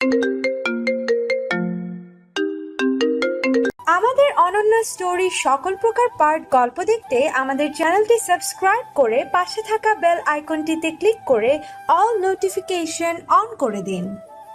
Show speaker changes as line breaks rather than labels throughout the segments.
আমাদের অনন্য স্টোরি সকল প্রকার পার্ট গল্প দেখতে আমাদের চ্যানেলটি সাবস্ক্রাইব করে পাশে থাকা বেল আইকনটিতে ক্লিক করে অল নোটিফিকেশন অন করে দিন।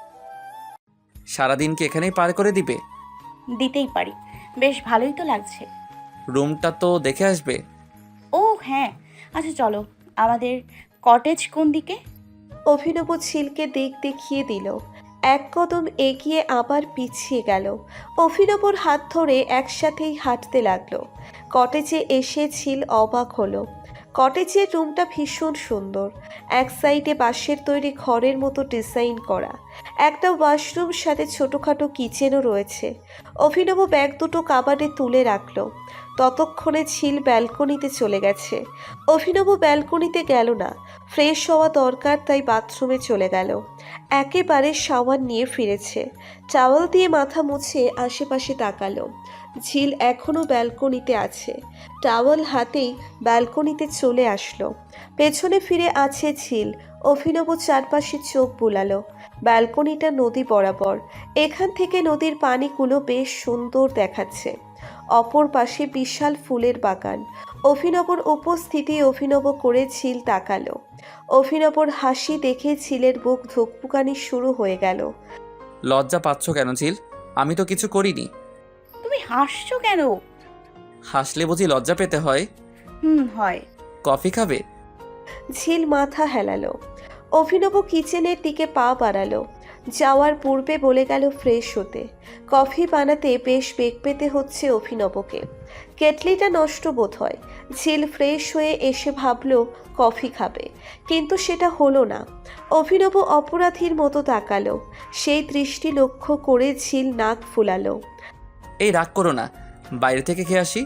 সারাদিন কি এখানেই পার করে দিবে?
দিতেই পারি, বেশ ভালোই তো লাগছে।
রুমটা তো দেখে আসবে।
ও হ্যাঁ, আচ্ছা চলো। আমাদের কটেজ কোন দিকে?
অভিনব ঝিলকে দিক দেখিয়ে দিল। এক কদম এগিয়ে আবার পিছিয়ে গেল। অভিনবর হাত ধরে একসাথেই হাঁটতে লাগলো। কটেজে এসে ঝিল অবাক হলো। কটেজের রুমটা ভীষণ সুন্দর। এক সাইডে বাঁশের তৈরি ঘরের মতো ডিজাইন করা। একটা ওয়াশরুম সাথে ছোটোখাটো কিচেনও রয়েছে। অভিনব ব্যাগ দুটো কাবাডে তুলে রাখলো। ততক্ষণে ঝিল ব্যালকনিতে চলে গেছে। অভিনব ব্যালকনিতে গেল না, ফ্রেশ হওয়া দরকার, তাই বাথরুমে চলে গেল। একেবারে শাওয়ার নিয়ে ফিরেছে। টাওয়াল দিয়ে মাথা মুছে আশেপাশে তাকালো। ঝিল এখনও ব্যালকনিতে আছে। টাওয়াল হাতেই ব্যালকনিতে চলে আসলো। পেছনে ফিরে আছে ঝিল। অভিনব চারপাশে চোখ বুলালো। ব্যালকনিটা নদী বরাবর। এখান থেকে নদীর পানিগুলো বেশ সুন্দর দেখাচ্ছে। অপর পাশে বিশাল ফুলের বাগান। অভিনবর উপস্থিতি অভিনব করে ঝিল তাকালো। অভিনবর হাসি দেখে ঝিলের বুক ধুকপুকানি শুরু হয়ে গেল।
লজ্জা পাচ্ছ কেন ঝিল? আমি তো কিছু করিনি।
তুমি হাসছো কেন?
হাসলে বুঝি লজ্জা পেতে হয়?
হয়।
কফি খাবে?
ঝিল মাথা হেলালো। অভিনব কিচেনের দিকে পা বাড়ালো। যাওয়ার পূর্বে বলে গেল ফ্রেশ হতে। কফি বানাতে বেশ বেগ পেতে হচ্ছে অভিনবকে। কেটলিটা নষ্ট বোধ হয়। ঝিল ফ্রেশ হয়ে এসে ভাবলো কফি খাবে, কিন্তু সেটা হলো না। অভিনব অপরাধীর মতো তাকালো। সেই দৃষ্টি লক্ষ্য করে ঝিল নাক ফুলালো।
এই রাগ করো না, বাইরে থেকে খেয়ে আসি।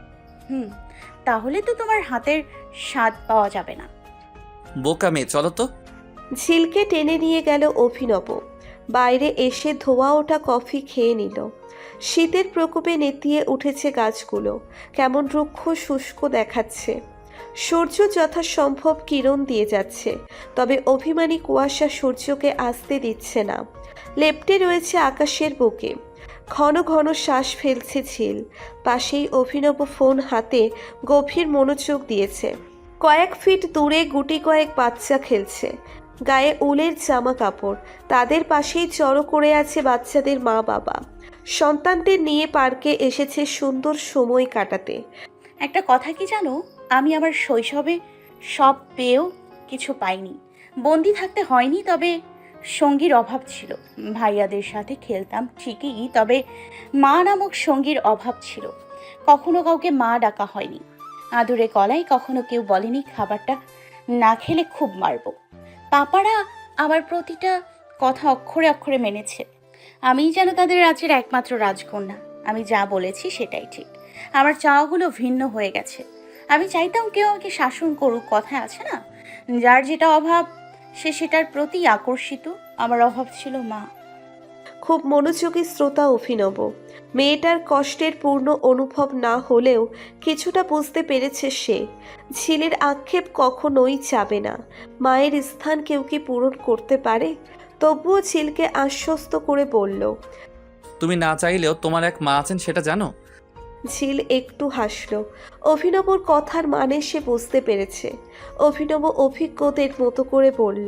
তাহলে তো তোমার হাতের স্বাদ পাওয়া যাবে না।
বোকা মেয়ে, চলো তো।
ঝিলকে টেনে নিয়ে গেল অভিনব। বাইরে এসে ধোয়া ওঠা কফি খেয়ে নিল। শীতের প্রকোপে নেতিয়ে উঠেছে গাছগুলো। কেমন রুক্ষ শুষ্ক দেখাচ্ছে। সূর্য যথাসম্ভব কিরণ দিয়ে যাচ্ছে, তবে অভিমানী কুয়াশা সূর্যকে আসতে দিচ্ছে না। লেপ্টে রয়েছে আকাশের বুকে। ঘন ঘন শ্বাস ফেলছে ঝিল। পাশেই অভিনব ফোন হাতে গভীর মনোযোগ দিয়েছে। কয়েক ফিট দূরে গুটি কয়েক বাচ্চা খেলছে। গায়ে উলের জামা কাপড়। তাদের পাশেই জড়ো করে আছে বাচ্চাদের মা বাবা। সন্তানদের নিয়ে পার্কে এসেছে সুন্দর সময় কাটাতে।
একটা কথা কি জানো, আমি আমার শৈশবে সব পেয়েও কিছু পাইনি। বন্দি থাকতে হয়নি, তবে সঙ্গীর অভাব ছিল। ভাইয়াদের সাথে খেলতাম ঠিকই, তবে মা নামক সঙ্গীর অভাব ছিল। কখনো কাউকে মা ডাকা হয়নি। আদুরে গলায় কখনো কেউ বলেনি খাবারটা না খেলে খুব মারবো। পাপারা আমার প্রতিটা কথা অক্ষরে অক্ষরে মেনেছে। আমিই যেন তাদের রাজ্যের একমাত্র রাজকন্যা। আমি যা বলেছি সেটাই ঠিক। আমার চাওয়াগুলো ভিন্ন হয়ে গেছে। আমি চাইতাম কেউ আমাকে শাসন করুক, কথা আছে না, যার যেটা অভাব সে সেটার প্রতি আকর্ষিত। আমার অভাব ছিল মা।
খুব মনোযোগী শ্রোতা অভিনব। মেয়েটার কষ্টের পূর্ণ অনুভব না হলেও কিছুটা বুঝতে পেরেছে সে। ঝিলের আক্ষেপ কখনোই যাবে না। মায়ের স্থান কেউ কি পূরণ করতে পারে? তবুও ঝিলকে আশ্বস্ত করে বলল।
তুমি না চাইলেও তোমার এক মা আছেন, সেটা জানো?
ঝিল একটু হাসল। অভিনবর কথার মানে সে বুঝতে পেরেছে। অভিনব অভিজ্ঞদের মতো করে বলল।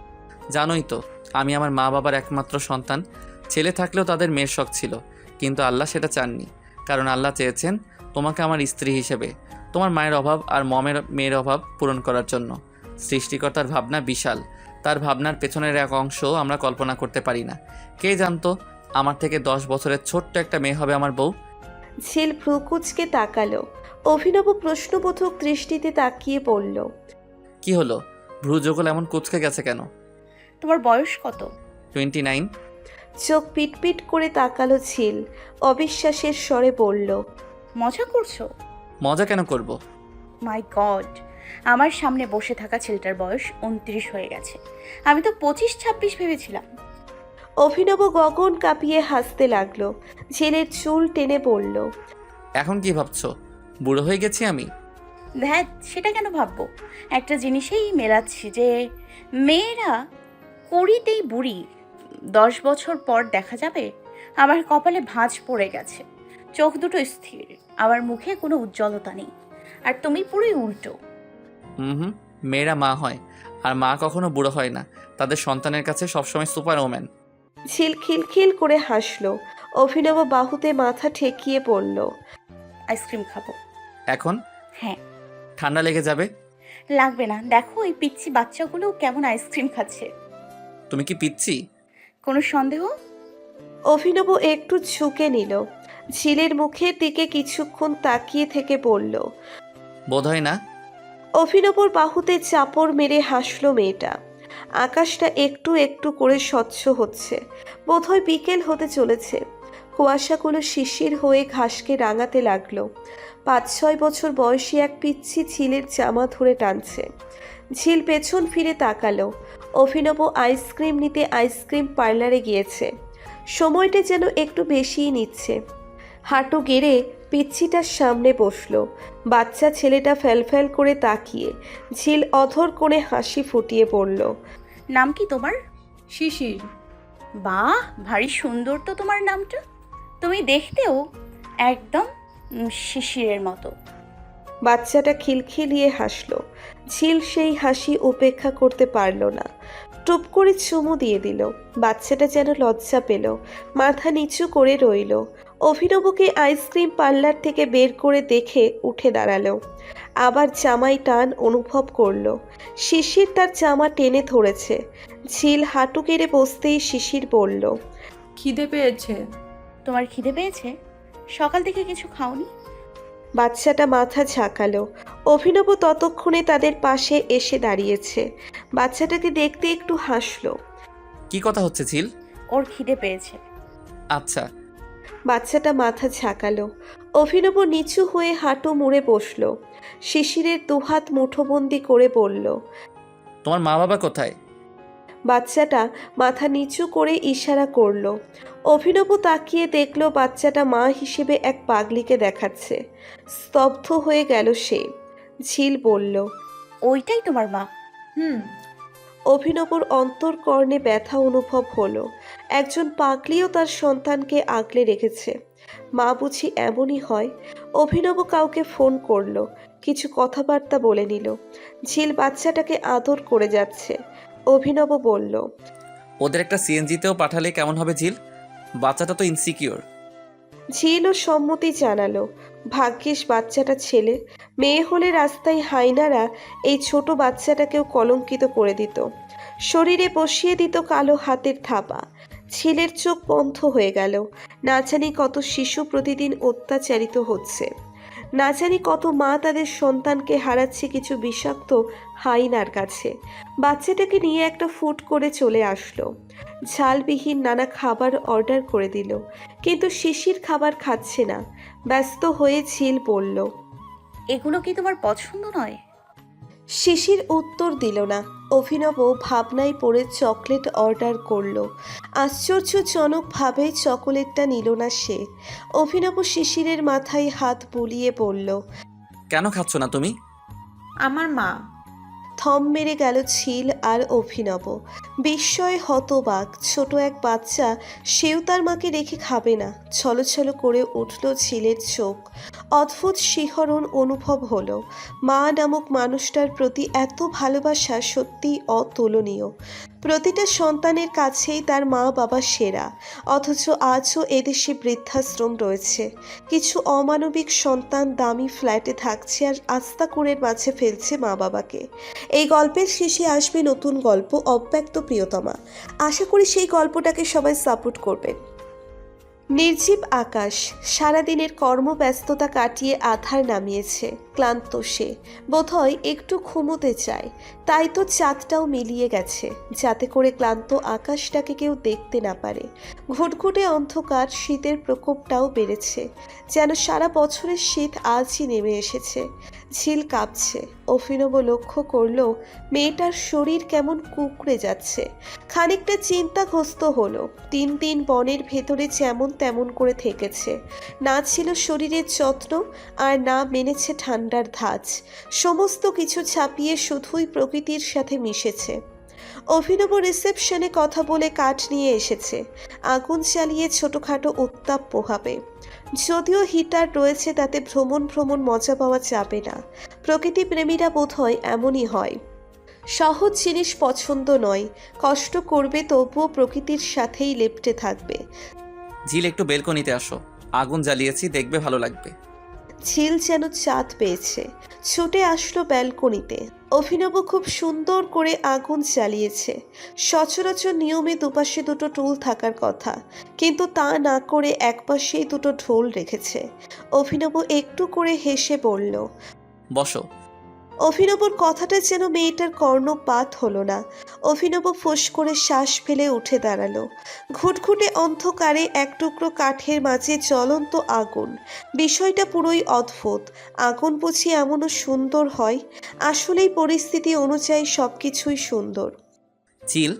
জানোই তো, আমি আমার মা বাবার একমাত্র সন্তান। ছেলে থাকলেও তাদের মেয়ের শখ ছিল, কিন্তু আল্লাহ সেটা চাননি। কারণ আল্লাহ চেয়েছেন তোমাকে আমার স্ত্রী হিসেবে, তোমার মায়ের অভাব আর মমের মেয়ের অভাব পূরণ করার জন্য। সৃষ্টিকর্তার ভাবনা বিশাল। তার ভাবনার পেছনের এক অংশ আমরা কল্পনা করতে পারি না। কে জানতো আমার থেকে 10 বছরের ছোট্ট একটা মেয়ে হবে আমার বউ।
ঝিল ভ্রুকুচকে তাকালো। অভিনব প্রশ্নবোধক দৃষ্টিতে তাকিয়ে বলল।
কি হলো, ভ্রু যোগল এমন কুচকে গেছে কেন?
তোমার বয়স কত?
29।
চোখ পিটপিট করে তাকালো ঝিল। অবিশ্বাসের স্বরে বলল।
মজা করছো?
মজা কেন করব?
মাই গড, আমার সামনে বসে থাকা ছেলেটার বয়স 29 হয়ে গেছে। আমি তো 25-26 ভেবেছিলাম।
অভিনব গগন কাঁপিয়ে হাসতে লাগলো। ঝিলের চুল টেনে বলল।
এখন কি ভাবছো, বুড়ো হয়ে গেছি আমি?
ধ্যাত, সেটা কেন ভাববো? একটা জিনিসেই মেলাচ্ছি যে মেয়েরা কুড়িতেই বুড়ি, 10 বছর পর দেখা যাবে? আমার কপালে ভাঁজ পড়ে গেছে, চোখ দুটো স্থির, আমার মুখে কোনো উজ্জ্বলতা নেই। আর তুমি পুরোই উল্টো।
হুম, মেয়েরা মা হয়, আর মা কখনো বুড়ো হয় না। তাদের সন্তানের কাছে সবসময় সুপার ওম্যান।
ঝিল খিলখিল করে হাসলো। অভিনব বাহুতে মাথা ঠেকিয়ে পড়ল।
আইসক্রিম খাবো।
এখন
হ্যাঁ।
ঠান্ডা লেগে যাবে।
লাগবে না, দেখো এই পিচ্ছি বাচ্চাগুলো কেমন আইসক্রিম খাচ্ছে।
তুমি কি পিচ্ছি?
কোনো সন্দেহ?
অভিনব একটু ঝুঁকে নিল। ঝিলের মুখের দিকে কিছুক্ষণ তাকিয়ে থেকে বলল।
বোধ হয় না।
অভিনবর বাহুতে চাপড় মেরে হাসলো মেয়েটা। আকাশটা একটু একটু করে স্বচ্ছ হচ্ছে, বোধহয় বিকেল হতে চলেছে। কুয়াশাগুলো শিশির হয়ে ঘাসকে রাঙাতে লাগলো। 5-6 বছর বয়সী এক পিচ্ছি ঝিলের জামা ধরে টানছে। ঝিল পেছন ফিরে তাকালো। অভিনব আইসক্রিম নিতে আইসক্রিম পার্লারে গিয়েছে। সময়টা যেন একটু বেশিই নিচ্ছে। হাঁটু গেড়ে পিচ্ছিটার সামনে বসলো। বাচ্চা ছেলেটা ফ্যালফ্যাল করে তাকিয়ে ঝিল অধর করে হাসি ফুটিয়ে পড়ল।
নাম কি তোমার?
শিশির।
বাহ, ভারী সুন্দর তো তোমার নামটা। তুমি দেখতেও একদম শিশিরের মতো।
বাচ্চাটা খিলখিলিয়ে হাসলো। ঝিল সেই হাসি উপেক্ষা করতে পারল না। টুপ করে চুমু দিয়ে দিল। বাচ্চাটা যেন লজ্জা পেল, মাথা নিচু করে রইল। অভিনবকে আইসক্রিম পার্লার থেকে বের করে দেখে উঠে দাঁড়ালো। আবার জামায় টান অনুভব করলো। শিশির তার জামা টেনে ধরেছে। ঝিল হাঁটু কেড়ে বসতেই শিশির বলল।
খিদে পেয়েছে।
তোমার খিদে পেয়েছে? সকাল থেকে কিছু খাওনি?
বাচ্চাটা মাথা ঝাঁকালো। অভিনব ততক্ষণে তাদের পাশে এসে দাঁড়িয়েছে। বাচ্চাটাকে দেখতে একটু হাসলো।
কি কথা হচ্ছে ঝিল?
ওর খিদে পেয়েছে।
আচ্ছা।
বাচ্চাটা মাথা ঝাঁকালো। অভিনব নিচু হয়ে হাঁটু মুড়ে বসলো। শিশিরের দুহাত মুঠোবন্দি করে বলল।
তোমার মা বাবা কোথায়?
বাচ্চাটা মাথা নিচু করে ইশারা করলো। অভিনব তাকিয়ে দেখলো বাচ্চাটা মা হিসেবে এক পাগলিকে দেখাচ্ছে। স্তব্ধ হয়ে গেল সে। ঝিল বলল।
ওইটাই তোমার মা?
অভিনবর অন্তরকর্ণে ব্যথা অনুভব হলো। একজন পাগলিও তার সন্তানকে আগলে রেখেছে। মা বুঝি এমনই হয়। অভিনব কাউকে ফোন করলো, কিছু কথাবার্তা বলে নিল। ঝিল বাচ্চাটাকে আদর করে যাচ্ছে। অভিনব বলল।
ওদের একটা সিএনজিতেও পাঠালে কেমন হবে ঝিল? বাচ্চাটা তো ইনসিকিউর।
ঝিলও সম্মতি জানালো। ভাগ্যিস বাচ্চাটা ছেলে। মেয়ে হলে রাস্তায় হাইনারা এই ছোট বাচ্চাটাকেও কলঙ্কিত করে দিত। শরীরে বসিয়ে দিত কালো হাতের থাপা। ঝিলের চোখ বন্ধ হয়ে গেল। না জানি কত শিশু প্রতিদিন অত্যাচারিত হচ্ছে। না জানি কত মা তাদের সন্তানকে হারাচ্ছে কিছু বিষাক্ত হাইনার কাছে। বাচ্চাটাকে নিয়ে একটা ফুড করে চলে আসলো। ঝালবিহীন নানা খাবার অর্ডার করে দিল, কিন্তু শিশির খাবার খাচ্ছে না। ব্যস্ত হয়ে ঝিল বলল।
এগুলো কি তোমার পছন্দ নয়?
শিশির উত্তর দিল না। অভিনব ভাবনায় পড়ে চকলেট অর্ডার করলো। আশ্চর্যজনকভাবে চকোলেটটা নিল না সে। অভিনব শিশিরের মাথায় হাত বুলিয়ে বলল।
কেন খাচ্ছ না তুমি?
আমার মা।
থম মেরে গেল ঝিল আর অভিনব। বিস্ময়ে হতবাক ছোট এক বাচ্চা, সেও তার মাকে রেখে খাবে না। ছলছল করে উঠল ঝিলের চোখ। অদ্ভুত শিহরণ অনুভব হলো। মা নামক মানুষটার প্রতি এত ভালোবাসা সত্যিই অতুলনীয়। প্রতিটা সন্তানের কাছেই তার মা বাবা সেরা, অথচ আজও এদেশে বৃদ্ধাশ্রম রয়েছে। কিছু অমানবিক সন্তান দামি ফ্ল্যাটে থাকছে আর আস্তাকুঁড়ের মাঝে ফেলছে মা বাবাকে। এই গল্পের শেষে আসবে নতুন গল্প, অব্যক্ত প্রিয়তমা। আশা করি সেই গল্পটাকে সবাই সাপোর্ট করবেন। নির্জীব আকাশ সারাদিনের কর্মব্যস্ততা কাটিয়ে আধার নামিয়েছে। ক্লান্ত সে, বোধহয় একটু ঘুমোতে চায়। তাই তো চাঁদটাও মিলিয়ে গেছে, যাতে করে ক্লান্ত আকাশটাকে কেউ দেখতে না পারে। ঘুটঘুটে অন্ধকার, শীতের প্রকোপটাও বেড়েছে, যেন সারা বছরের শীত আজই নেমে এসেছে। ঝিল কাঁপছে। অভিনব লক্ষ্য করল মেয়েটার শরীর কেমন কুঁকড়ে যাচ্ছে। খানিকটা চিন্তাগ্রস্ত হলো। 3 দিন বনের ভেতরে যেমন তেমন করে থেকেছে। না ছিল শরীরের যত্ন, আর না মেনেছে ঠান্ডার ধাঁচ। সমস্ত কিছু ছাপিয়ে শুধুই প্রকৃতির সাথে মিশেছে। অভিনব রিসেপশনে কথা বলে কাঠ নিয়ে এসেছে, আগুন জ্বালিয়ে ছোটখাটো উত্তাপ পোহাবে। যদিও হিটার রয়েছে, তাতে ভ্রমণ ভ্রমণ মজা পাওয়া যাবে না। প্রকৃতি প্রেমীরা বোধহয় এমনই হয়, সহজ জিনিস পছন্দ নয়, কষ্ট করবে তবুও প্রকৃতির সাথেই লেপ্টে থাকবে।
ঝিল একটু বেলকনিতে আসো, আগুন জ্বালিয়েছি, দেখবে ভালো লাগবে।
ঝিল যেন চাঁদ পেয়েছে, ছুটে আসলো ব্যালকনিতে। অভিনব খুব সুন্দর করে আগুন জ্বালিয়েছে। সচরাচর নিয়মে দুপাশে দুটো টুল থাকার কথা, কিন্তু তা না করে একপাশেই দুটো ঢোল রেখেছে। অভিনব একটু করে হেসে বলল।
বসো।
অভিনবর কথাটা যেন মেয়েটার কর্ণপাত হলো না। অভিনব ফোঁস করে শ্বাস ফেলে উঠে দাঁড়ালো। ঘুটঘুটে অন্ধকারে এক টুকরো কাঠের মাঝে জ্বলন্ত আগুন, বিষয়টা পুরোই অদ্ভুত। আগুন বুঝি এমনও সুন্দর হয়? আসলেই পরিস্থিতি অনুযায়ী সবকিছুই সুন্দর।
চিল।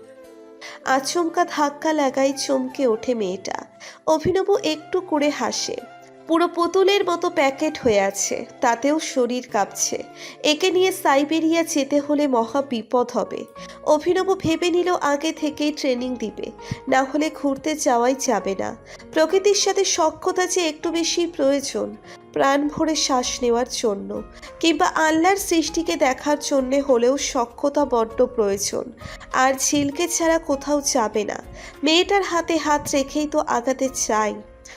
আচমকা ধাক্কা লাগাই চমকে ওঠে মেয়েটা। অভিনব একটু করে হাসে। পুরো পুতুলের মতো প্যাকেট হয়ে আছে, তাতেও শরীর কাঁপছে। একে নিয়ে সাইবেরিয়া যেতে হলে মহা বিপদ হবে। অভিনব ভেবে নিল আগে থেকেই ট্রেনিং দিবে, না হলে ঘুরতে যাওয়াই যাবে না। প্রকৃতির সাথে সখ্যতা যে একটু বেশি প্রয়োজন, প্রাণ ভরে শ্বাস নেওয়ার জন্য, কিংবা আল্লাহর সৃষ্টিকে দেখার জন্যে হলেও সখ্যতা বড্ড প্রয়োজন। আর ঝিলকে ছাড়া কোথাও যাবে না। মেয়েটার হাতে হাত রেখেই তো আগাতে চাই।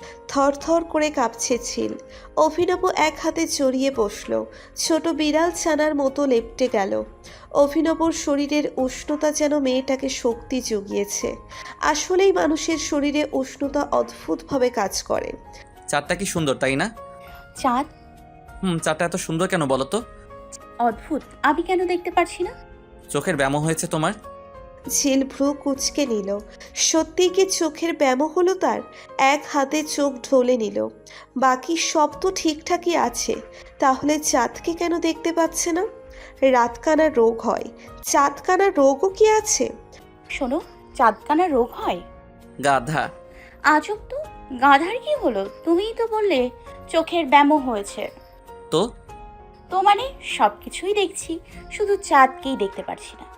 থরথর করে কাঁপছে ঝিল। অভিনব এক হাতে জড়িয়ে বসলো, ছোট বিড়াল ছানার মতো লেপ্টে গেল। অভিনবর শরীরের উষ্ণতা যেন মেয়েটাকে শক্তি জুগিয়েছে। আসলেই মানুষের শরীরে উষ্ণতা অদ্ভুতভাবে কাজ করে।
চাঁদটা কি সুন্দর, তাই না?
চাঁদ?
চাঁদটা এত সুন্দর কেন বলো তো?
অদ্ভুত, আমি কেন দেখতে পারছি না?
চোখের ব্যামো হয়েছে তোমার।
ঝিল ভ্রু কুঁচকে নিল। সত্যি কি চোখের ব্যামো হলো তার? এক হাতে চোখ ঢলে নিল। বাকি সব তো ঠিকঠাকই আছে, তাহলে চাঁদকে কেন দেখতে পাচ্ছে না? রাতকানা রোগ হয়, চাঁদকানা রোগও কি আছে?
শোনো, চাঁদকানা রোগ হয়?
গাধা।
আজব তো, গাধার কি হলো? তুমিই তো বললে চোখের ব্যামো হয়েছে।
তো
তো মানে সব কিছুই দেখছি, শুধু চাঁদকেই দেখতে পারছি না।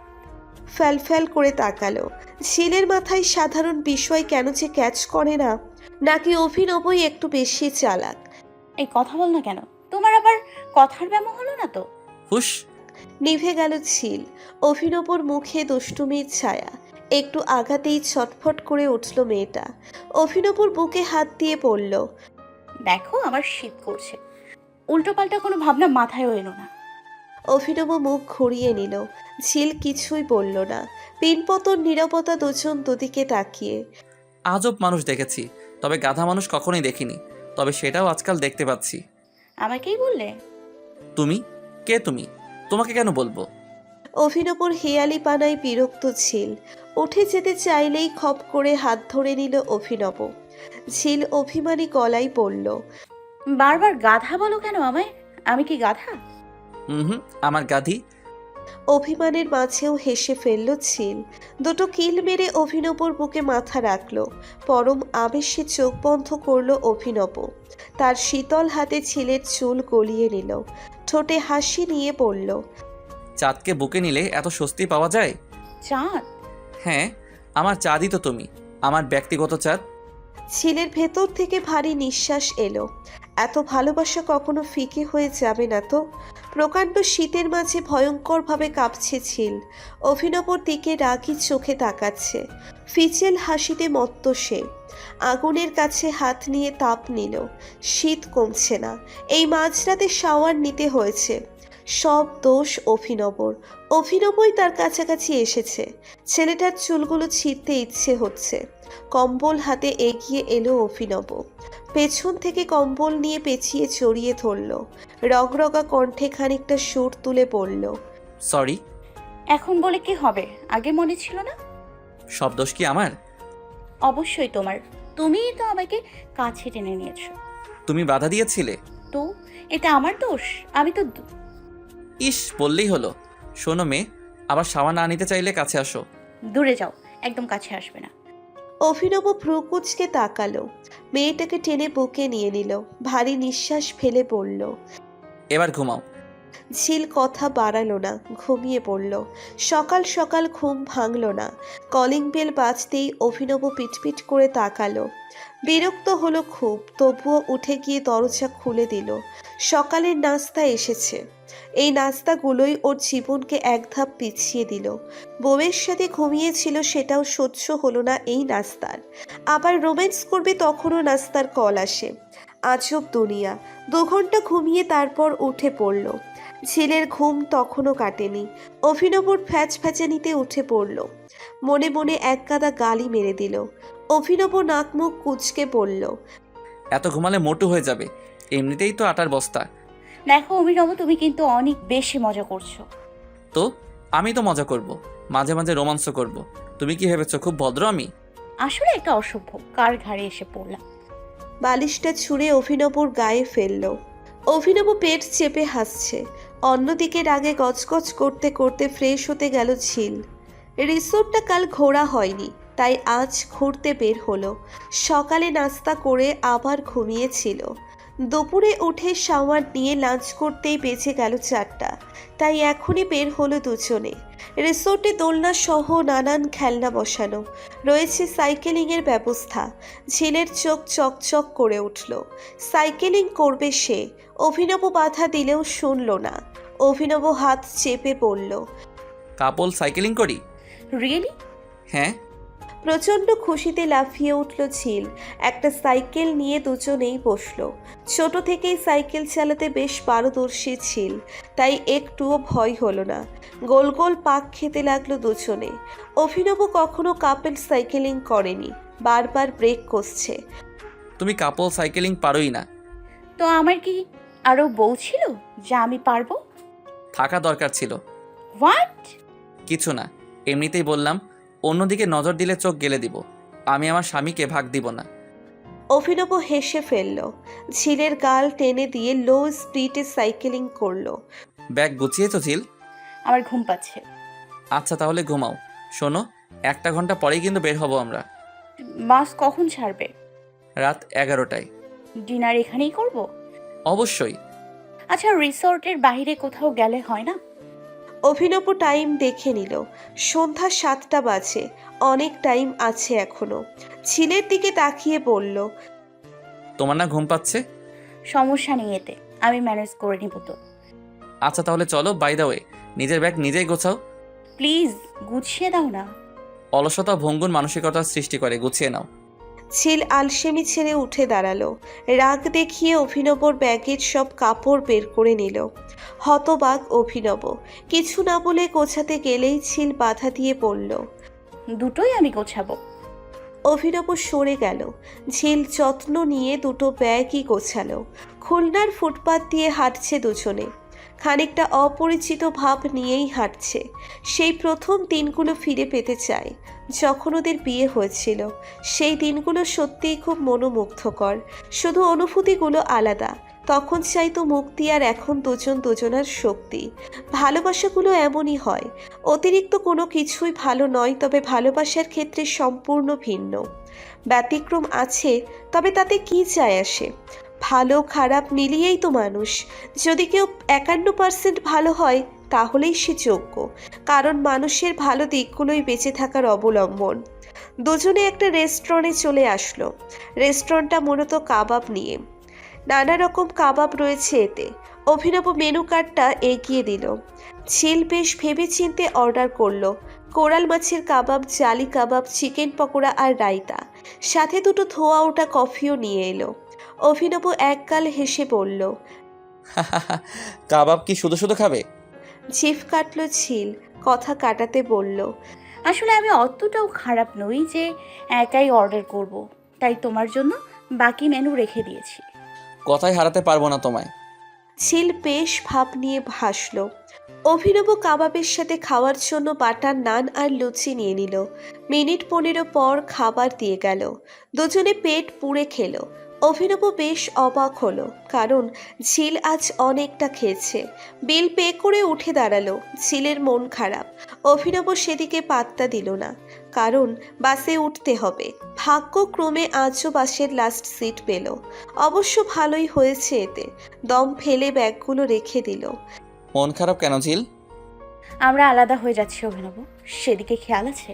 ফ্যাল করে তাকালো। ঝিলের মাথায় সাধারণ বিষয় কেন যে ক্যাচ করে না, নাকি অভিনবই একটু বেশি চালাক?
এই কথা বল না কেন, তোমার আবার কথার ব্যামো হলো না তো?
হুশ।
নিভে গেল ঝিল। অভিনবর মুখে দুষ্টুমির ছায়া। একটু আঘাতেই ছটফট করে উঠল মেয়েটা। অভিনবর বুকে হাত দিয়ে পড়ল।
দেখো, আমার শীত করছে, উল্টোপাল্টা কোনো ভাবনা মাথায় এলো না।
অভিনব মুখ ঘুরিয়ে নিল। ঝিল কিছুই বলল না। পিনপতন নীরবতা, দুজন দুদিকে তাকিয়ে।
আজব মানুষ দেখেছি, তবে গাধা মানুষ কখনোই দেখিনি। তবে সেটাও আজকাল দেখতে পাচ্ছি।
আমাকেই বললে?
তুমি কে? তুমি তোমাকে কেন বলবো?
অভিনবর হেয়ালি পানায় বিরক্ত ঝিল। উঠে যেতে চাইলেই খপ করে হাত ধরে নিল অভিনব। ঝিল অভিমানী গলায় বলল।
বারবার গাধা বলো কেন আমায়? আমি কি গাধা?
আমার গাধি।
অভিমানের মাঝেও হেসে ফেলল ঝিল। দুটো কিল মেরে অভিনবর বুকে মাথা রাখল। পরম আবেশে চোখ বন্ধ করল অভিনব। তার শীতল হাতে ঝিলের চুল গলিয়ে নিল। ঠোঁটে হাসি নিয়ে বলল।
চাঁদকে বুকে নিলে এত স্বস্তি পাওয়া যায়?
চাঁদ?
হ্যাঁ, আমার চাঁদই তো তুমি, আমার ব্যক্তিগত চাঁদ।
ঝিলের ভেতর থেকে ভারী নিঃশ্বাস এলো। এত ভালোবাসা কখনো ফিকে হয়ে যাবে না তো। প্রকাণ্ড শীতের মাঝে ভয়ঙ্করভাবে কাঁপছে ঝিল। অভিনবর দিকে রাগী চোখে তাকাচ্ছে। ফিচেল হাসিতে মত্ত সে। আগুনের কাছে হাত নিয়ে তাপ নিল। শীত কমছে না। এই মাঝরাতে শাওয়ার নিতে হয়েছে। সব দোষ অভিনবর। অভিনবই তার কাছাকাছি এসেছে। ছেলেটার চুলগুলো ছিঁড়তে ইচ্ছে হচ্ছে। কম্বল হাতে এগিয়ে এলো অভিনব। পেছন থেকে কম্বল নিয়ে পেঁচিয়ে জড়িয়ে ধরল। রগরগা কণ্ঠে খানিকটা সুর তুলে বলল।
সরি।
এখন বলে কি হবে? আগে মনে ছিল না?
সব দোষ কি আমার?
অবশ্যই তোমার। তুমিই তো আমাকে কাছে টেনে নিয়েছো।
তুমি বাধা দিয়েছিলে
তো এটা আমার দোষ? আমি তো
ইস, বললেই হলো। শোনো মেয়ে, আবার শাওয়ার না নিতে চাইলে কাছে আসো।
দূরে যাও, একদম কাছে আসবে না।
অভিনব ভ্রুকুচকে তাকালো। মেয়েটাকে টেনে বুকে নিয়ে নিল। ভারী নিঃশ্বাস ফেলে বলল।
এবার ঘুমাও।
ঝিল কথা বাড়ালো না, ঘুমিয়ে পড়ল। সকাল সকাল ঘুম ভাঙল না। কলিং বেল বাজতেই অভিনব পিটপিট করে তাকালো। বিরক্ত হলো খুব, তবুও উঠে গিয়ে দরজা খুলে দিল। সকালের নাস্তা এসেছে। এই নাস্তাগুলোই ওর জীবনকে এক ধাপ পিছিয়ে দিল। বউয়ের সাথে ঘুমিয়েছিল, সেটাও সহ্য হলো না এই নাস্তার। আবার রোম্যান্স করবে, তখনও নাস্তার কল আসে। আজব দুনিয়া। 2 ঘন্টা ঘুমিয়ে তারপর উঠে পড়ল। ঝিলের ঘুম তখনও কাটেনি। অভিনবর ফ্যাচফ্যাচানিতে উঠে পড়ল। মনে মনে এক গাদা গালি মেরে দিল। অভিনব নাক মুখ কুঁচকে বলল,
এত ঘুমালে মোটু হয়ে যাবে, এমনিতেই তো আটার বস্তা।
দেখো অভিনব, তুমি কিন্তু অনেক বেশি মজা করছো।
তো আমি তো মজা করব, মাঝে মাঝে রোমান্স করব। তুমি কি ভেবেছো খুব ভদ্র আমি?
আসলে একটা অসভ্য, কার ঘাড়ে এসে পড়লাম।
বালিশটা ছুঁড়ে অভিনবর গায়ে ফেলল। অভিনব পেট চেপে হাসছে। অন্যদিকে রাগে গজগজ করতে করতে ফ্রেশ হতে গেল ঝিল। রিসোর্টটা কাল ঘোরা হয়নি, তাই আজ ঘুরতে বের হলো। সকালে নাস্তা করে আবার ঘুমিয়েছিল। দুপুরে উঠে শাওয়ার নিয়ে লাঞ্চ করতেই বেজে গেল 4টা, তাই এখনই বের হলো দুজনে। রিসোর্টে দোলনা সহ নানান খেলনা বসানো রয়েছে, সাইকেলিংয়ের ব্যবস্থা। ঝিলের চোখ চকচক করে উঠল। সাইকেলিং করবে সে। অভিনব বাধা দিলেও শুনল না। অভিনব হাত চেপে পড়ল।
কাপল সাইকেলিং করি?
রিয়েলি?
হ্যাঁ।
প্রচণ্ড খুশিতে লাফিয়ে উঠল ঝিল। একটা সাইকেল নিয়ে দুজনেই বসলো। ছোট থেকেই সাইকেল চালাতে বেশ পারদর্শী ছিল, তাই একটুও ভয় হলো না। গোল গোল পাক খেতে লাগলো দুজনে। অভিনব কখনো কাপল সাইকেলিং করেনি, বারবার ব্রেক কষছে।
তুমি কাপল সাইকেলিং পারোই না।
তো আমার কি আরো বউ ছিল যা আমি পারবো?
থাকা দরকার ছিল।
হোয়াট?
কিছু না, এমনিতেই বললাম। অন্যদিকে নজর দিলে চোখ গেলে দিব। আমি আমার স্বামীকে ভাগ দিব না।
অভিনব হেসে ফেলল। ঝিলের গাল টেনে দিয়ে লো স্পিডে সাইকেলিং করলো।
ব্যাগ গুছিয়েছো ঝিল?
আমার ঘুম পাচ্ছে।
আচ্ছা তাহলে ঘুমাও। শোনো, 1 ঘন্টা পরেই কিন্তু বের হব আমরা।
বাস কখন ছাড়বে?
রাত 11টায়।
ডিনার এখানেই করব?
অবশ্যই।
আচ্ছা, রিসর্টের বাইরে কোথাও গেলে হয় না?
অভিনব টাইম দেখে নিল। সন্ধ্যা 7টা বাজে, অনেক টাইম আছে এখনো। ঝিলের দিকে তাকিয়ে বলল,
তোমার না ঘুম পাচ্ছে?
সমস্যা নেই, এতে আমি ম্যানেজ করে নিব তো।
আচ্ছা তাহলে চলো। বাই দা ওয়ে, নিজের ব্যাগ নিজেই গোছাও।
প্লিজ গুছিয়ে দাও না।
অলসতা ভঙ্গুর মানসিকতার সৃষ্টি করে, গুছিয়ে নাও।
ঝিল আলসেমি ছেড়ে উঠে দাঁড়ালো। রাগ দেখিয়ে অভিনবর ব্যাগের সব কাপড় বের করে নিল। হতবাক অভিনব। কিছু না বলে গোছাতে গেলেই ঝিল বাধা দিয়ে বলল,
দুটোই আমি গোছাবো।
অভিনব সরে গেল। ঝিল যত্ন নিয়ে দুটো ব্যাগই গোছালো। খুলনার ফুটপাত দিয়ে হাঁটছে দুজনে। খানিকটা অপরিচিত ভাব নিয়েই হাঁটছে। সেই প্রথম দিনগুলো ফিরে পেতে চায়, যখন ওদের বিয়ে হয়েছিল। সেই দিনগুলো সত্যিই খুব মনোমুগ্ধকর, শুধু অনুভূতিগুলো আলাদা। তখন চাইতো মুক্তি, আর এখন দুজন দুজনার শক্তি। ভালোবাসাগুলো এমনই হয়, অতিরিক্ত কোনো কিছুই ভালো নয়, তবে ভালোবাসার ক্ষেত্রে সম্পূর্ণ ভিন্ন। ব্যতিক্রম আছে, তবে তাতে কি যায় আসে? ভালো খারাপ মিলিয়েই তো মানুষ। যদি কেউ 51% ভালো হয়, তাহলেই সে যোগ্য, কারণ মানুষের ভালো দিকগুলোই বেঁচে থাকার অবলম্বন। দুজনে একটা রেস্টুরেন্টে চলে আসলো। রেস্টুরেন্টটা মূলত কাবাব নিয়ে। নানা রকম কাবাব রয়েছে এতে। অভিনব মেনু কার্ডটা এগিয়ে দিল। ঝিল বেশ ভেবেচিন্তে অর্ডার করলো। কোরাল মাছের কাবাব, জালি কাবাব, চিকেন পকোড়া আর রায়তা, সাথে দুটো ধোয়া ওঠা কফিও নিয়ে এলো। অভিনব একগাল হেসে বলল,
কাবাব কি শুধু শুধু খাবে?
জিভ কাটল ঝিল। কথা কাটাতে বলল,
আসলে আমি অতটাও খারাপ নই যে একাই অর্ডার করব, তাই তোমার জন্য বাকি মেনু রেখে দিয়েছি।
কথাই হারাতে পারবো না তোমায়।
ঝিল বেশ ভাব নিয়ে হাসল। অভিনব কাবাবের সাথে খাওয়ার জন্য বাটার নান আর লুচি নিয়ে নিল। মিনিট 15 পর খাবার দিয়ে গেল। দুজনে পেট পুড়ে খেলো। অভিনব বেশ অবাক হলো, কারণ ঝিল আজ অনেকটা খেয়েছে। বিল পে করে উঠে দাঁড়ালো। ঝিলের মন খারাপ। অভিনব সেদিকে পাত্তা দিল না, কারণ বাসে উঠতে হবে। ভাগ্যক্রমে আজও বাসের লাস্ট সিট পেল। অবশ্য ভালোই হয়েছে এতে। দম ফেলে ব্যাগগুলো রেখে দিল।
মন খারাপ কেন ঝিল?
আমরা আলাদা হয়ে যাচ্ছি অভিনব, সেদিকে খেয়াল আছে?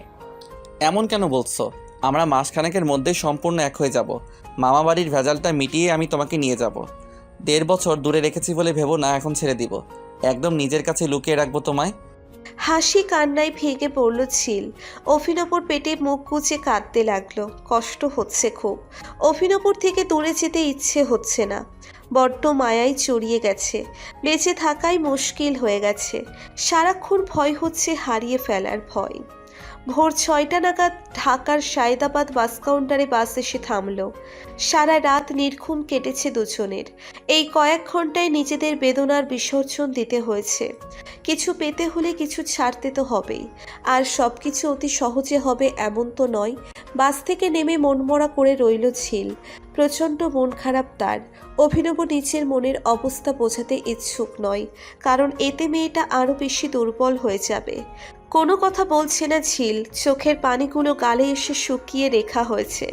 এমন কেন বলছো? আমরা মাসখানেকের মধ্যেই সম্পূর্ণ এক হয়ে যাব। মামা বাড়ির ভেজালটা মিটিয়ে আমি তোমাকে নিয়ে যাব। 1.5 বছর দূরে রেখেছি বলে ভেবো না এখন ছেড়ে দিব। একদম নিজের কাছে লুকিয়ে রাখবো তোমায়।
হাসি কান্নায় ভেঙে পড়ল ঝিল। অভিনবর পেটে মুখ গুজে কাঁদতে লাগলো। কষ্ট হচ্ছে খুব। অভিনবর থেকে দূরে যেতে ইচ্ছে হচ্ছে না। বড্ড মায়ায় চড়িয়ে গেছে। বেঁচে থাকাই মুশকিল হয়ে গেছে। সারাক্ষণ ভয় হচ্ছে হারিয়ে ফেলার ভয়। ভোর 6টা নাগাদ ঢাকার সায়দাবাদ বাস কাউন্টারে বাস এসে থামলো। সারা রাত নির্ঘুম কেটেছে দুজনের। এই কয়েক ঘন্টায় নিজেদের বেদনার বিসর্জন দিতে হয়েছে। কিছু পেতে হলে কিছু ছাড়তে তো হবেই। আর সব কিছু অতি সহজে হবে এমন তো নয়। বাস থেকে নেমে মনমরা করে রইল ঝিল। প্রচণ্ড মন খারাপ তার। অভিনব নিজের মনের অবস্থা বোঝাতে ইচ্ছুক নয়, কারণ এতে মেয়েটা আরও বেশি দুর্বল হয়ে যাবে। কোনো কথা বলছে না ঝিল। চোখের পানিগুলো গালে এসে শুকিয়ে রেখা হয়েছে।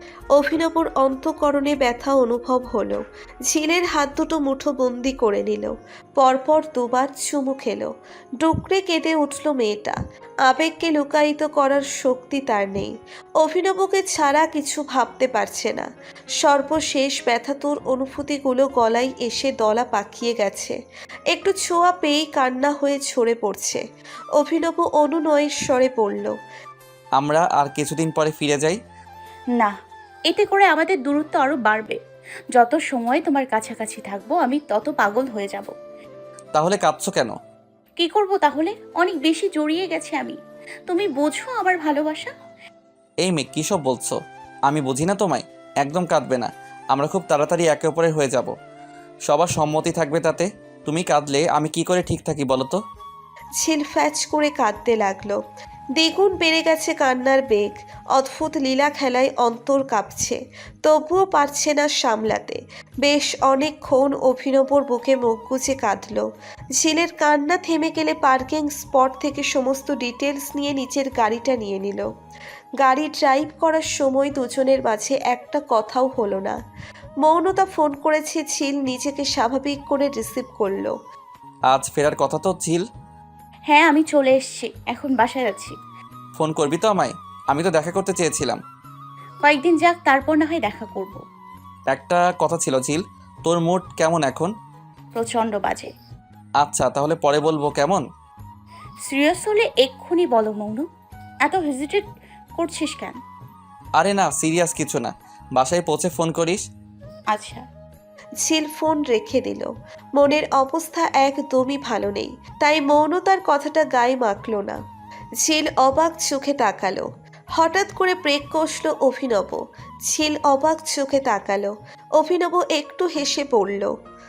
অভিনবর অন্তঃকরণে ব্যথা অনুভব হলো। ঝিলের হাত দুটো মুঠোবন্দি করে নিল। পরপর দুবার চুমু খেলো। ডুকরে কেঁদে উঠল মেয়েটা। আবেগকে লুকায়িত করার শক্তি তার নেই। অভিনবকে ছাড়া কিছু ভাবতে পারছে না। সর্বশেষ ব্যথাতুর অনুভূতিগুলো গলায় এসে দলা পাকিয়ে গেছে। একটু ছোঁয়া পেয়েই কান্না হয়ে ঝরে পড়ছে। অভিনব অনুনয়ের স্বরে পড়ল,
আমরা আর কিছুদিন পরে ফিরে যাই।
না, এতে করে আমাদের দূরত্ব আরো বাড়বে। যত সময় তোমার কাছাকাছি থাকবো আমি তত পাগল হয়ে যাব।
তাহলে কাঁদছো কেন?
কি করব তাহলে? অনেক বেশি জড়িয়ে গেছে আমি। তুমি বোঝো আমার ভালোবাসা?
এই মেয়ে কী সব বলছো? আমি বুঝি না তোমায়? একদম কাঁদবে না। আমরা খুব তাড়াতাড়ি একে অপরের হয়ে যাব। সবার সম্মতি থাকবে তাতে। তুমি কাঁদলে আমি কি করে ঠিক থাকি বলো তো?
ঝিল ফ্যাচ করে কাঁদতে লাগলো। দ্বিগুণ বেড়ে গেছে কান্নার বেগ। অদ্ভুত লীলা খেলায় অন্তর কাঁপছে। তবুও পারছে না সামলাতে। বেশ অনেকক্ষণ অভিনবর বুকে মুখ গুজে কাঁদল। ঝিলের কান্না থেমে গেলে পার্কিং স্পট থেকে সমস্ত ডিটেলস নিয়ে নিচের গাড়িটা নিয়ে নিল। গাড়ি ড্রাইভ করার সময় দুজনের মাঝে একটা কথাও হলো না। মৌনতা ফোন করেছে ঝিল নিজেকে স্বাভাবিক করে রিসিভ করলো।
আজ ফেরার কথা তো ঝিল।
হ্যাঁ, আমি চলে এসেছি, এখন বাসায় যাচ্ছি।
ফোন করবি তো আমায়? আমি তো দেখা করতে চেয়েছিলাম।
কয়েকদিন যাক, তারপর না হয় দেখা করব।
একটা কথা ছিল ঝিল, তোর মুড কেমন এখন?
প্রচণ্ড বাজে।
আচ্ছা তাহলে পরে বলবো কেমন?
সিরিয়াস হলে এক্ষুনি বলো মৌনু। এত হেজিটেট করছিস কেন?
আরে না, সিরিয়াস কিছু না। বাসায় পৌঁছে ফোন করিস।
আচ্ছা।
ঝিল ফোন রেখে দিল। মনের অবস্থা একদমই ভালো নেই, তাই মৌনতার কথাটা গায়ে মাখল না। ঝিল অবাক চোখে তাকালো। হঠাৎ করে ব্রেক কষল অভিনব। ঝিল অবাক চোখে তাকালো। অভিনব একটু হেসে পড়ল।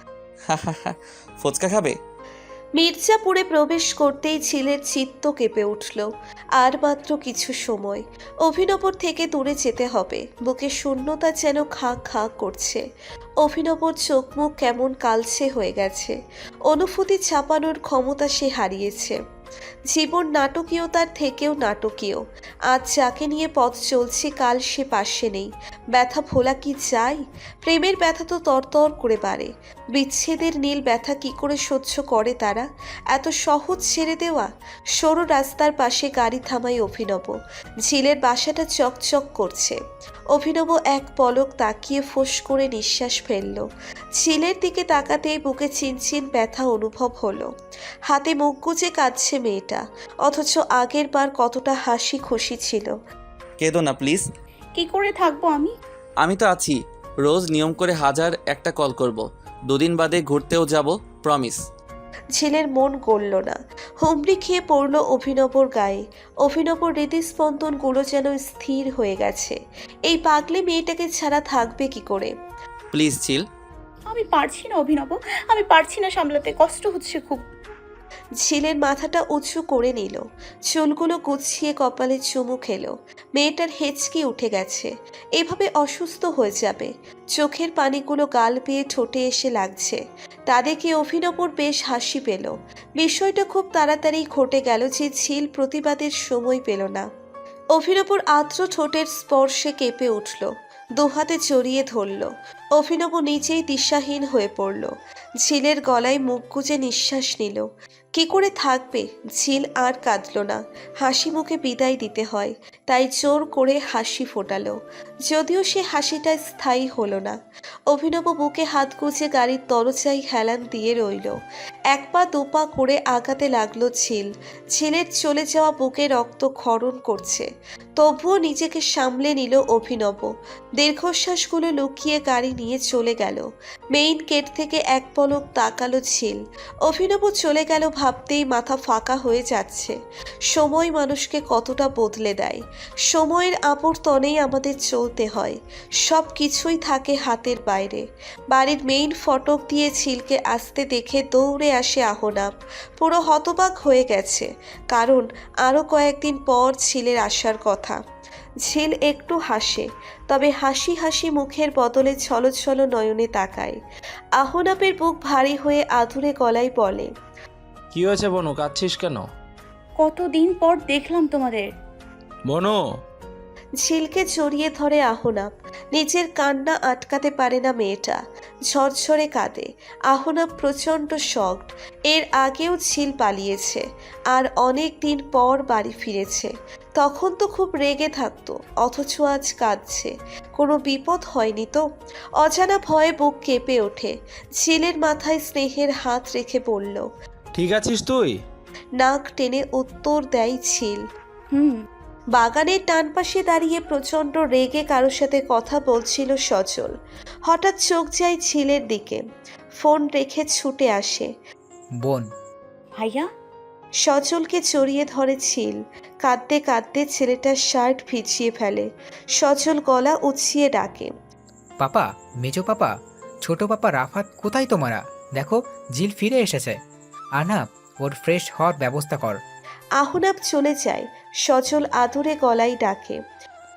ফুচকা খাবে?
মির্জাপুরে প্রবেশ করতেই ঝিলের চিত্ত কেঁপে উঠল। আর মাত্র কিছু সময়। অভিনবর থেকে দূরে যেতে হবে। বুকে শূন্যতা যেন খা খা করছে। অভিনবর চোখ মুখ কেমন কালচে হয়ে গেছে। অনুভূতি চাপানোর ক্ষমতা সে হারিয়েছে। জীবন নাটকীয়তার থেকেও নাটকীয়। আজ যাকে নিয়ে পথ চলছে কাল সে পাশে নেই। ব্যথা ভোলা কি যায়? প্রেমের ব্যথা তো তরতর করে বাড়ে। বিচ্ছেদের নীল ব্যথা কি করে সহ্য করে তারা? এত সহজ ছেড়ে দেওয়া? সরু রাস্তার পাশে গাড়ি থামাই অভিনব। ঝিলের বাসাটা চকচক করছে। অভিনব এক পলক তাকিয়ে ফোঁস করে নিঃশ্বাস ফেলল। ঝিলের দিকে তাকাতেই বুকে চিনচিন ব্যথা অনুভব হলো। হাতে মুখ গুজে কাঁদছে মেয়েটা, অথচ আগের বার কতটা হাসি খুশি ছিল।
কেঁদো না প্লিজ।
কি করে থাকবো আমি?
আমি তো আছি। রোজ নিয়ম করে 1001টা কল করব। 2 দিন বাদে ঘুরতেও যাব, প্রমিস।
ঝিলের মন গলল না। হুমড়ি খেয়ে পড়ল অভিনবর গায়ে। অভিনবর হৃদস্পন্দনগুলো যেন স্থির হয়ে গেছে। এই পাগলে মেয়েটাকে ছাড়া থাকবে কি করে?
প্লিজ ঝিল।
আমি পারছি না অভিনব, আমি পারছি না সামলাতে, কষ্ট হচ্ছে খুব।
ঝিলের মাথাটা উঁচু করে নিল। চুলগুলো গুছিয়ে কপালে চুমু খেলো। মেয়েটার হেঁচকি উঠে গেছে। এভাবে অসুস্থ হয়ে যাবে। চোখের পানিগুলো গাল বেয়ে ঠোঁটে এসে লাগছে। তা দেখে অভিনবর বেশ হাসি পেল। বিষয়টা খুব তাড়াতাড়ি ঘটে গেল যে ঝিল প্রতিবাদের সময় পেল না। অভিনবর আর্দ্র ঠোঁটের স্পর্শে কেঁপে উঠল। দুহাতে জড়িয়ে ধরল। অভিনব নিজেই দিশাহীন হয়ে পড়ল। ঝিলের গলায় মুখ গুজে নিঃশ্বাস নিল। কি করে থাকবে? ঝিল আর কাঁদল না। হাসি মুখে বিদায় দিতে হয়, তাই জোর করে হাসি ফোটালো। যদিও সে হাসিটা স্থায়ী হলো না। অভিনব বুকে হাত গুজে গাড়ির দরজায় হেলান দিয়ে রইল। এক পা দুপা করে আগাতে লাগলো ঝিল। ঝিলের চলে যাওয়া বুকে রক্ত ক্ষরণ করছে, তবুও নিজেকে সামলে নিল অভিনব। দীর্ঘশ্বাসগুলো লুকিয়ে গাড়ি নিয়ে চলে গেল। মেইন গেট থেকে এক পলক তাকালো ঝিল। অভিনব চলে গেল ভাবতেই মাথা ফাঁকা হয়ে যাচ্ছে। সময় মানুষকে কতটা বদলে দেয়। সময়ের আবর্তনেই আমাদের চলতে হয়। সব কিছুই থাকে হাতের বাইরে। বাড়ির মেইন ফটক দিয়ে ঝিলকে আসতে দেখে দৌড়ে আসে আহনাব। পুরো হতবাক হয়ে গেছে, কারণ আরও কয়েকদিন পর ঝিলের আসার কথা। ঝিল একটু হাসে, তবে হাসি হাসি মুখের বদলে ছলছল নয়নে তাকায়। আহনাবের বুক ভারী হয়ে আধুরে গলায় বলে,
কি হয়েছে বনু, কাঁদছিস কেন?
কতদিন পর দেখলাম তোমাদের।
বনু,
ঝিলকে জড়িয়ে ধরে আহনাব। নিজের কান্না আটকাতে পারে না মেয়েটা, ঝরঝরে কাঁদে। আহনাব প্রচণ্ড শকড। এর আগেও ঝিল পালিয়েছে, আর অনেক দিন পর বাড়ি ফিরেছে। তখন তো খুব রেগে থাকতো, অথচ আজ কাঁদছে। কোনো বিপদ হয়নি তো? অজানা ভয়ে বুক কেঁপে ওঠে। ঝিলের মাথায় স্নেহের হাত রেখে বলল,
ঠিক আছিস তুই?
নাক টেনে উত্তর দেয় ঝিল।
হুম।
বাগানের ডান পাশে দাঁড়িয়ে প্রচণ্ড রেগে কারোর সাথে কথা বলছিল সজল। হঠাৎ চোখ যায় ঝিলের দিকে। ফোন রেখে ছুটে আসে।
বোন,
ভাইয়া।
সজলকে জড়িয়ে ধরে ঝিল। কাঁদতে কাঁদতে ছেলেটার শার্ট ভিজিয়ে ফেলে। সজল গলা উঁচিয়ে ডাকে,
পাপা, মেজো পাপা, ছোট পাপা রাফাত, কোথায় তোমরা? দেখো, জিল ফিরে এসেছে। আনা, ওর ফ্রেশ হওয়ার ব্যবস্থা কর।
আহনাব চলে যায়। সজল আদুরে গলায় ডাকে,